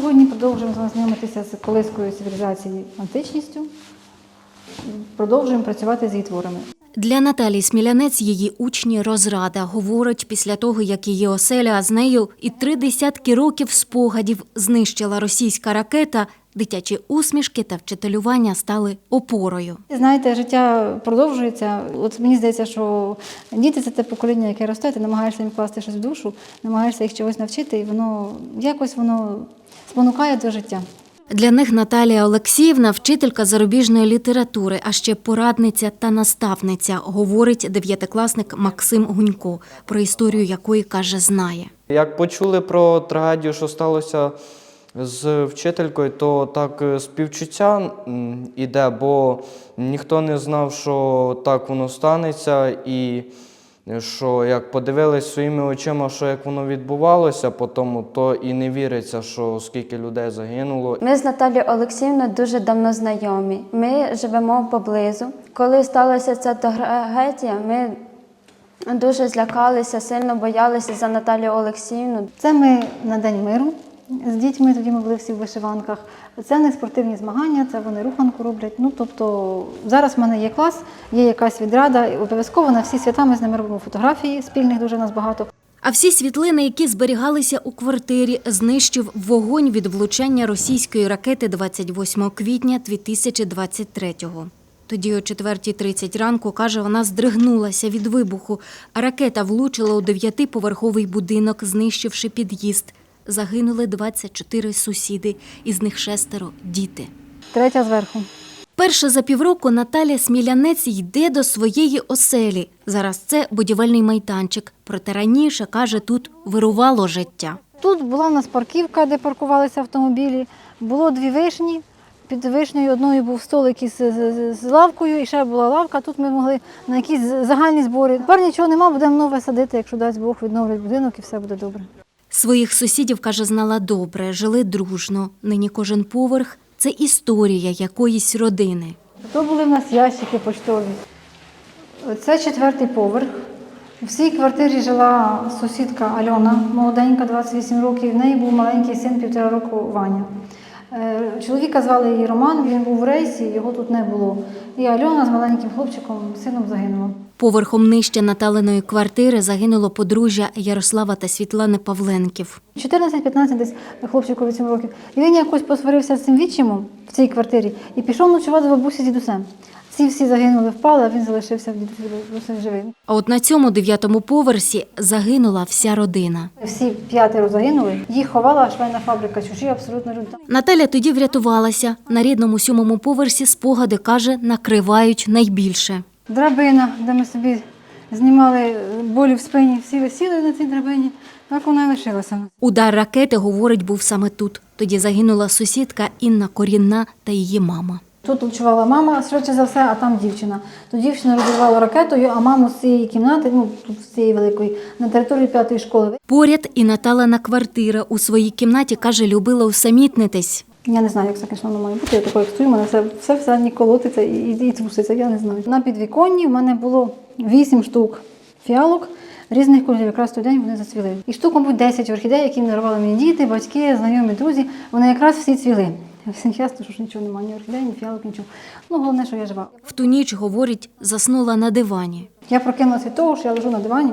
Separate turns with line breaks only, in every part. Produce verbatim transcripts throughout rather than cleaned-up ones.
сьогодні продовжуємо знайомитися з колискою цивілізації античністю, продовжуємо працювати з її творами.
Для Наталії Смілянець її учні розрада. Говорить, після того, як її оселя, а з нею і три десятки років спогадів знищила російська ракета, дитячі усмішки та вчителювання стали опорою.
Знаєте, життя продовжується. От мені здається, що діти – це те покоління, яке росте, ти намагаєшся їм вкласти щось в душу, намагаєшся їх чогось навчити, і воно якось воно спонукає до життя.
Для них Наталія Олексіївна – вчителька зарубіжної літератури, а ще порадниця та наставниця, говорить дев'ятикласник Максим Гунько, про історію якої, каже, знає.
Як почули про трагедію, що сталося з вчителькою, то так співчуття йде, бо ніхто не знав, що так воно станеться, і що як подивились своїми очима, що як воно відбувалося по тому, то і не віриться, що скільки людей загинуло.
Ми з Наталією Олексіївною дуже давно знайомі. Ми живемо поблизу. Коли сталася ця трагедія, ми дуже злякалися, сильно боялися за Наталію Олексіївну.
Це ми на День миру з дітьми, тоді ми були всі в вишиванках. Це не спортивні змагання, це вони руханку роблять. Ну, тобто, зараз в мене є клас, є якась відрада, і обов'язково на всі свята ми з ними робимо фотографії, спільних дуже нас багато.
А всі світлини, які зберігалися у квартирі, знищив вогонь від влучання російської ракети двадцять восьмого квітня дві тисячі двадцять третього. Тоді о четвертій тридцять ранку, каже, вона здригнулася від вибуху, а ракета влучила у дев'ятиповерховий будинок, знищивши під'їзд. Загинули двадцять чотири сусіди, із них шестеро – діти.
Третя зверху.
Перше за півроку Наталія Смілянець йде до своєї оселі. Зараз це будівельний майданчик. Проте раніше, каже, тут вирувало життя.
Тут була в нас парківка, де паркувалися автомобілі. Було дві вишні. Під вишнею одною був столик із з, з лавкою, і ще була лавка. Тут ми могли на якісь загальні збори. Тепер нічого нема, будемо нове садити, якщо дасть Бог, відновлять будинок і все буде добре.
Своїх сусідів, каже, знала добре, жили дружно. Нині кожен поверх – це історія якоїсь родини.
То були в нас ящики поштові. Це четвертий поверх. В цій квартирі жила сусідка Альона, молоденька, двадцять вісім років. В неї був маленький син, півтора року, Ваня. Чоловіка звали її Роман, він був в рейсі, його тут не було. І Альона з маленьким хлопчиком, сином, загинула.
Поверхом нижче Наталиної квартири загинуло подружжя Ярослава та Світлани Павленків.
чотирнадцять-п'ятнадцять десь хлопчику вісім років. І він якось посварився з цим відчимом в цій квартирі і пішов ночувати до бабусі з дідусем. Ці всі загинули, впали, а він залишився в дідусі живий.
А от на цьому дев'ятому поверсі загинула вся родина.
Всі п'ятеро загинули. Їх ховала швейна фабрика, чужі абсолютно люди.
Наталя тоді врятувалася. На рідному сьомому поверсі спогади, каже, накривають найбільше.
Драбина, де ми собі знімали болі в спині, всі висіли на цій драбині, так вона і лишилася.
Удар ракети, говорить, був саме тут. Тоді загинула сусідка Інна Корінна та її мама.
Тут ночувала мама, швидше за все, а там дівчина. То дівчина розірвала ракетою, а маму з цієї кімнати, ну, тут з цієї великої, на території п'ятої школи.
Поряд і Наталина квартира. У своїй кімнаті, каже, любила усамітнитись.
Я не знаю, як це, звісно, воно має бути. Я такою, як стою, мене все, все, все не колотиться і, і, і труситься, я не знаю. На підвіконні в мене було вісім штук фіалок різних кольорів. Якраз той день вони зацвіли. І штук, мабуть, десять орхідей, які дарували мені діти, батьки, знайомі, друзі. Вони якраз всі цвіли. Всім ясно, що ж нічого немає, ні орхідей, ні фіалок, нічого. Ну, головне, що я жива.
В ту ніч, говорить, заснула на дивані.
Я прокинулася від того, що я лежу на дивані.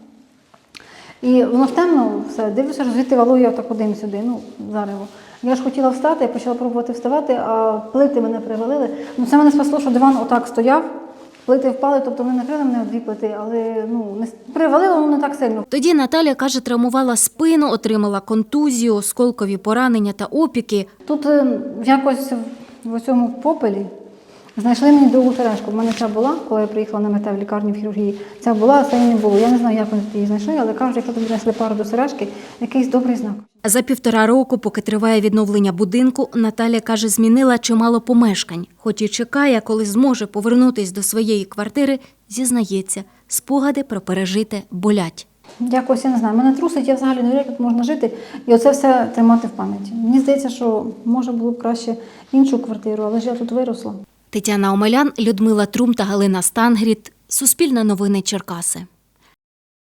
І воно в темно, все, дивлюся, що звідти валує отак один сюди, ну, зарево. Я ж хотіла встати, я почала пробувати вставати, а плити мене привалили. Ну, це мене спасло, що диван отак стояв, плити впали, тобто вони накрили мене дві плити, але ну, не привалило, ну, не так сильно.
Тоді Наталя, каже, травмувала спину, отримала контузію, осколкові поранення та опіки.
Тут якось в цьому попелі знайшли мені другу сережку. У мене ця була, коли я приїхала на МТ в лікарні в хірургії. Ця була, а цієї не було. Я не знаю, як вони її знайшли, але кажуть, якщо тобі знайшли пару до сережки, якийсь добрий знак.
За півтора року, поки триває відновлення будинку, Наталя, каже, змінила чимало помешкань. Хоч і чекає, коли зможе повернутися до своєї квартири, зізнається, спогади про пережите болять.
Якось, я не знаю, мене трусить, я взагалі не вірю, як тут можна жити, і оце все тримати в пам'яті. Мені здається, що може було б краще іншу квартиру, але ж я тут виросла.
Тетяна Омелян, Людмила Трум та Галина Стангріт. Суспільне новини Черкаси.